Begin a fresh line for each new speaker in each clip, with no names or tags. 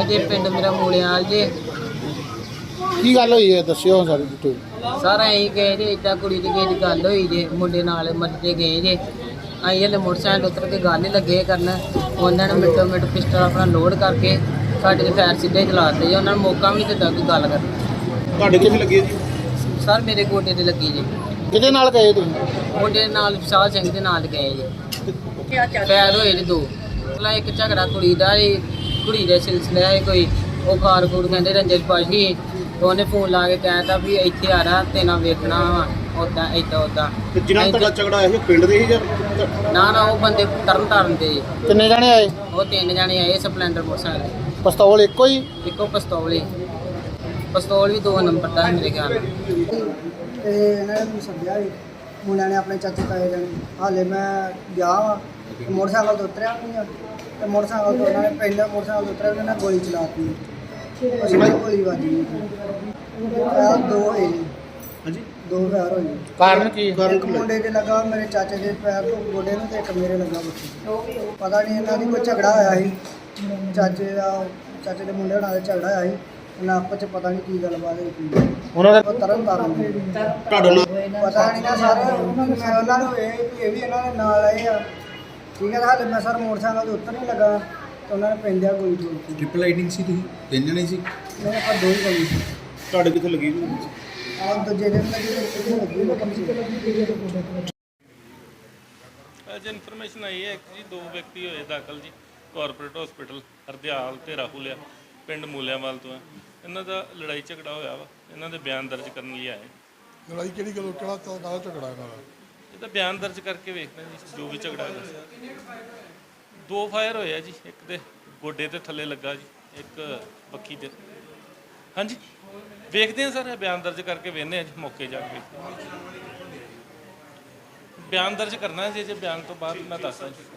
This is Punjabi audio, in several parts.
ਜੇ ਪਿੰਡ ਮੇਰਾ ਮੂਲਿਆਲ ਜੇ।
ਕੀ ਗੱਲ ਹੋਈ ਹੈ ਦੱਸਿਓ ਸਾਰੀ ਡਿਟੇਲ।
ਸਰ ਅਸੀਂ ਗਏ ਜੇ ਇੱਦਾਂ ਕੁੜੀ ਦੀ ਕਿਸੇ ਦੀ ਗੱਲ ਹੋਈ ਜੇ, ਮੁੰਡੇ ਨਾਲ ਮੱਤੇ ਗਏ ਜੇ। ਅਸੀਂ ਹਲੇ ਮੋਟਰਸਾਈਕਲ ਉੱਤਰ ਕੇ ਗੱਲ ਹੀ ਲੱਗੇ ਕਰਨ, ਉਹਨਾਂ ਨੇ ਮਿੰਟੋ ਮਿੰਟ ਪਿਸਟਲ ਆਪਣਾ ਲੋਡ ਕਰਕੇ ਸਾਡੇ ਦੇ ਫੈਰ ਸਿੱਧੇ ਚਲਾ ਦਿੱਤੇ ਜੀ। ਉਹਨਾਂ ਨੂੰ ਮੌਕਾ ਵੀ ਨਹੀਂ ਦਿੱਤਾ ਕੋਈ ਗੱਲ ਕਰਨ।
ਤੁਹਾਡੇ ਕਿੱਥੇ ਲੱਗੀ ਜੀ?
ਸਰ ਮੇਰੇ ਗੋਡੇ ਤੇ ਲੱਗੀ ਜੀ।
ਕਿਹਦੇ ਨਾਲ ਗਏ ਤੁਸੀਂ?
ਮੁੰਡੇ ਦੇ ਨਾਲ ਵਿਸ਼ਾਲ ਸਿੰਘ ਦੇ ਨਾਲ ਗਏ ਜੀ। ਫੈਰ ਹੋਏ ਨੇ 2। ਪਹਿਲਾਂ ਇੱਕ ਝਗੜਾ ਕੁੜੀ ਦਾ ਸੀ, ਕੁੜੀ ਦੇ ਸਿਲਸਿਲੇ ਹੈ ਕੋਈ, ਉਹ ਖਾਰ ਖੂਰ ਕਹਿੰਦੇ ਰੰਜਨ ਪਾਸ਼ੀ। ਤੇ ਉਹਨੇ ਫੋਨ ਲਾ ਕੇ ਕਹਿਤਾ ਵੀ ਇੱਥੇ ਆ ਰਹਾ ਤੇ ਨਾ ਵੇਖਣਾ ਵਾ ਉੱਦਾਂ ਇੱਦਾਂ ਉੱਦਾਂ।
ਤੇ ਜਿਨ੍ਹਾਂ ਨਾਲ ਤੁਹਾਡਾ ਝਗੜਾ ਹੋਇਆ ਸੀ ਉਹ ਪਿੰਡ ਦੇ ਹੀ ਜਾਂ?
ਨਾ ਉਹ ਬੰਦੇ ਤਰਨ ਤਾਰਨ ਦੇ ਜੀ।
ਕਿੰਨੇ ਜਾਣੇ ਆਏ?
ਉਹ 3 ਜਣੇ ਆਏ ਸਪਲੈਂਡਰ ਮੋਟਰਸਾਈਕਲ।
ਪਿਸਤੌਲ ਇੱਕੋ ਹੀ?
ਇੱਕੋ ਪਿਸਤੌਲ ਹੀ। ਪਿਸਤੌਲ ਵੀ 2 ਨੰਬਰ ਦਾ ਮੇਰੇ ਖਿਆਲ ਨਾਲ।
ਤੇ ਇਹਨਾਂ ਨੇ ਮੈਨੂੰ ਸੱਦਿਆ ਸੀ ਮੁੰਡਿਆਂ ਨੇ, ਆਪਣੇ ਚਾਚੇ ਤਾਏ ਜਾਣੇ। ਹਾਲੇ ਮੈਂ ਗਿਆ ਵਾਂ, ਮੋਟਰਸਾਈਕਲ ਤੋਂ ਉਤਰਿਆ ਨਹੀਂ ਆ, ਤੇ ਮੋਟਰਸਾਈਕਲ ਤੋਂ ਉਹਨਾਂ ਨੇ ਪਹਿਲਾਂ ਮੋਟਰਸਾਈਕਲ ਤੋਂ ਉਤਰਿਆ, ਉਹਨਾਂ ਨੇ ਗੋਲੀ ਚਲਾਤੀ। ਉਸ ਨਾਲ ਗੋਲੀ ਵੱਜ ਗਈ। 2 ਹੋਏ ਜੀ।
ਹਾਂਜੀ।
2 ਫੈਰ ਹੋਏ।
ਕਾਰਨ ਕੀ?
ਇੱਕ ਮੁੰਡੇ ਦੇ ਲੱਗਾ ਮੇਰੇ ਚਾਚੇ ਦੇ ਪੈਰ ਤੋਂ ਗੋਡੇ ਨੂੰ, ਤੇ ਇੱਕ ਮੇਰੇ ਲੱਗਾ ਬੱਚੇ। ਪਤਾ ਨਹੀਂ ਇਹਨਾਂ ਦੀ ਕੋਈ ਝਗੜਾ ਹੋਇਆ ਸੀ, ਚਾਚੇ ਦੇ ਮੁੰਡੇ ਹੋਣਾ ਦਾ ਝਗੜਾ ਹੋਇਆ ਸੀ। ਉਹਨਾਂ ਆਪਸ 'ਚ ਪਤਾ ਨਹੀਂ ਕੀ ਗੱਲਬਾਤ ਹੋਈ।
ਉਹਨਾਂ ਦਾ
ਉਹ ਤਰਨ ਤਾਰਨ ਦੇ।
ਤੁਹਾਡਾ ਨਾਮ?
ਪਤਾ ਨਹੀਂ ਨਾ ਸਰ, ਮੈਂ ਉਹਨਾਂ ਨੂੰ ਇਹ ਵੀ ਇਹਨਾਂ ਦੇ ਨਾਲ ਆਏ ਆ, ਠੀਕ ਹੈ। ਹਾਲੇ ਮੈਂ ਸਰ ਮੋਟਰਸਾਈਕਲ ਦੇ ਉੱਤਰ ਨਹੀਂ ਲੱਗਾ ਤੇ ਉਹਨਾਂ ਨੇ ਪੈਂਦਿਆ ਗੋਲੀ ਚੋਲਤੀ।
ਟ੍ਰਿਪਲ ਰਾਈਡਿੰਗ ਸੀ ਤੁਸੀਂ? 3 ਜਣੇ ਸੀ?
ਮੇਰੇ ਕੋਲ 2 ਹੀ ਗੋਲੀ ਸੀ।
ਤੁਹਾਡੇ ਕਿੱਥੇ ਲੱਗੀ ਜੀ?
ਆਹ ਦੂਜੇ ਦਿਨ ਲੱਗੀ ਤੇ ਕਿੱਥੇ ਲੱਗੀ ਮੈਂ ਕਮ ਸੀ।
ਅੱਜ ਇਨਫੋਰਮੇਸ਼ਨ ਆਈ ਹੈ ਕਿ ਜੀ 2 ਵਿਅਕਤੀ ਹੋਏ ਦਾਖਲ ਜੀ ਕਾਰਪੋਰੇਟ ਹਸਪੀਟਲ ਹਰਦਿਆਲ ਤੇ ਰਾਹੁਲ ਆ, ਪਿੰਡ ਮੂਲਿਆਂਵਾਲ ਤੋਂ ਹੈ। ਇਹਨਾਂ ਦਾ ਲੜਾਈ ਝਗੜਾ ਹੋਇਆ ਵਾ, ਇਹਨਾਂ ਦੇ ਬਿਆਨ ਦਰਜ ਕਰਨ ਲਈ ਆਏ।
ਲੜਾਈ ਕਿਹੜੀ ਗੱਲ, ਕਿਹੜਾ ਝਗੜਾ ਇਹਨਾਂ ਦਾ?
ਇਹਦਾ ਬਿਆਨ ਦਰਜ ਕਰਕੇ ਵੇਖਦੇ ਜੀ ਜੋ ਵੀ ਝਗੜਾ ਹੈਗਾ। 2 ਫਾਇਰ ਹੋਏ ਆ ਜੀ, ਇੱਕ ਦੇ ਗੋਡੇ ਤੇ ਥੱਲੇ ਲੱਗਾ ਜੀ, ਇੱਕ ਬੱਖੀ ਤੇ। ਹਾਂਜੀ ਵੇਖਦੇ ਹਾਂ ਸਰ, ਇਹ ਬਿਆਨ ਦਰਜ ਕਰਕੇ ਵੇਖਦੇ ਹਾਂ ਜੀ ਮੌਕੇ ਜਾ ਕੇ। ਬਿਆਨ ਦਰਜ ਕਰਨਾ ਜੀ, ਜੇ ਬਿਆਨ ਤੋਂ ਬਾਅਦ ਮੈਂ ਦੱਸਦਾ ਜੀ।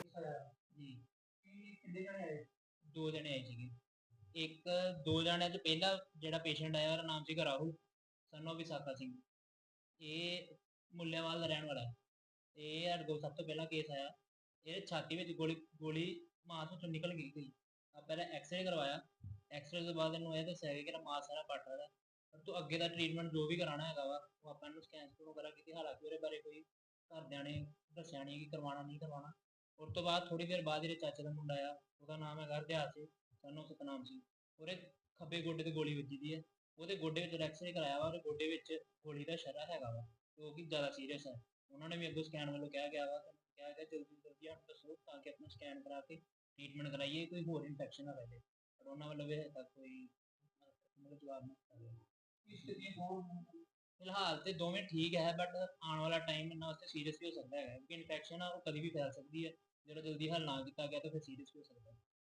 2 ਜਣੇ ਆਏ ਸੀਗੇ। 2 ਜਣਿਆਂ 'ਚ ਪਹਿਲਾ ਜਿਹੜਾ ਪੇਸ਼ੈਂਟ ਆਇਆ ਉਹਦਾ ਨਾਮ ਸੀਗਾ ਰਾਹੁਲ ਸਾਨੂੰ ਵਿਸਾਖਾ ਸਿੰਘ। ਇਹ ਮੁੱਲਿਆਂਵਾਲ ਦਾ ਰਹਿਣ ਵਾਲਾ ਹੈ। ਇਹ ਸਾਡੇ ਕੋਲ ਸਭ ਤੋਂ ਪਹਿਲਾਂ ਕੇਸ ਆਇਆ। ਇਹਦੇ ਛਾਤੀ ਵਿੱਚ ਗੋਲੀ ਮਾਸ ਵਿੱਚੋਂ ਨਿਕਲ ਗਈ ਸੀ। ਪਹਿਲਾਂ ਐਕਸਰੇ ਕਰਵਾਇਆ। ਐਕਸਰੇ ਤੋਂ ਬਾਅਦ ਇਹਨੂੰ ਇਹ ਦੱਸਿਆ ਗਿਆ ਕਿ ਮਾਸ ਸਾਰਾ ਪੱਟ ਰਿਹਾ। ਪਰ ਤੋਂ ਅੱਗੇ ਦਾ ਟ੍ਰੀਟਮੈਂਟ ਜੋ ਵੀ ਕਰਾਉਣਾ ਹੈਗਾ ਵਾ ਉਹ ਆਪਾਂ ਇਹਨੂੰ ਸਕੈਨ ਵਗੈਰਾ ਕੀਤੀ। ਹਾਲਾਂਕਿ ਉਹਦੇ ਬਾਰੇ ਕੋਈ ਘਰਦਿਆਂ ਨੇ ਦੱਸਿਆ ਨਹੀਂ ਕਿ ਕਰਵਾਉਣਾ ਨਹੀਂ ਕਰਵਾਉਣਾ। ਉਸ ਤੋਂ ਬਾਅਦ ਥੋੜ੍ਹੀ ਦੇਰ ਬਾਅਦ ਜਿਹੜੇ ਚਾਚੇ ਦਾ ਮੁੰਡਾ ਆ, ਉਹਦਾ ਨਾਮ ਹੈਗਾ ਹਰਦਿਆਲ ਸਿੰਘ ਸਾਨੂੰ ਸਤਨਾਮ ਸਿੰਘ। ਉਹਦੇ ਖੱਬੇ ਗੋਡੇ ਤੇ ਗੋਲੀ ਵੱਜੀ ਦੀ ਹੈ। ਉਹਦੇ ਗੋਡੇ ਵਿੱਚ ਐਕਸਰੇ ਕਰਾਇਆ ਵਾ, ਉਹਦੇ ਗੋਡੇ ਵਿੱਚ ਗੋਲੀ ਦਾ ਸ਼ਰਾ ਹੈਗਾ ਵਾ, ਜੋ ਕਿ ਜ਼ਿਆਦਾ ਸੀਰੀਅਸ ਹੈ। ਉਹਨਾਂ ਨੇ ਵੀ ਅੱਗੋਂ ਸਕੈਨ ਵੱਲੋਂ ਕਿਹਾ ਗਿਆ ਵਾ, ਕਿਹਾ ਗਿਆ ਜਲਦੀ ਤੋਂ ਜਲਦੀ ਸਾਨੂੰ ਦੱਸੋ ਤਾਂ ਕਿ ਆਪਣਾ ਸਕੈਨ ਕਰਾ ਕੇ ਟ੍ਰੀਟਮੈਂਟ ਕਰਾਈਏ, ਕੋਈ ਹੋਰ ਇਨਫੈਕਸ਼ਨ ਨਾ ਰਹੇ। ਪਰ ਉਹਨਾਂ ਵੱਲੋਂ ਵੀ ਹਜੇ ਤੱਕ ਕੋਈ ਜਵਾਬ ਨਹੀਂ ਦਿੱਤਾ। ਫਿਲਹਾਲ ਤੇ ਦੋਵੇਂ ਠੀਕ ਹੈ, ਬਟ ਆਉਣ ਵਾਲਾ ਟਾਈਮ ਇਹਨਾਂ ਵਾਸਤੇ ਸੀਰੀਅਸ ਵੀ ਹੋ ਸਕਦਾ ਹੈਗਾ, ਕਿਉਂਕਿ ਇਨਫੈਕਸ਼ਨ ਆ ਉਹ ਕਦੀ ਵੀ ਫੈਲ ਸਕਦੀ ਹੈ। ਜਦੋਂ ਜਲਦੀ ਹੱਲ ਨਾ ਕੀਤਾ ਗਿਆ ਤਾਂ ਫਿਰ ਸੀਰੀਅਸ ਵੀ ਹੋ ਸਕਦਾ ਹੈ।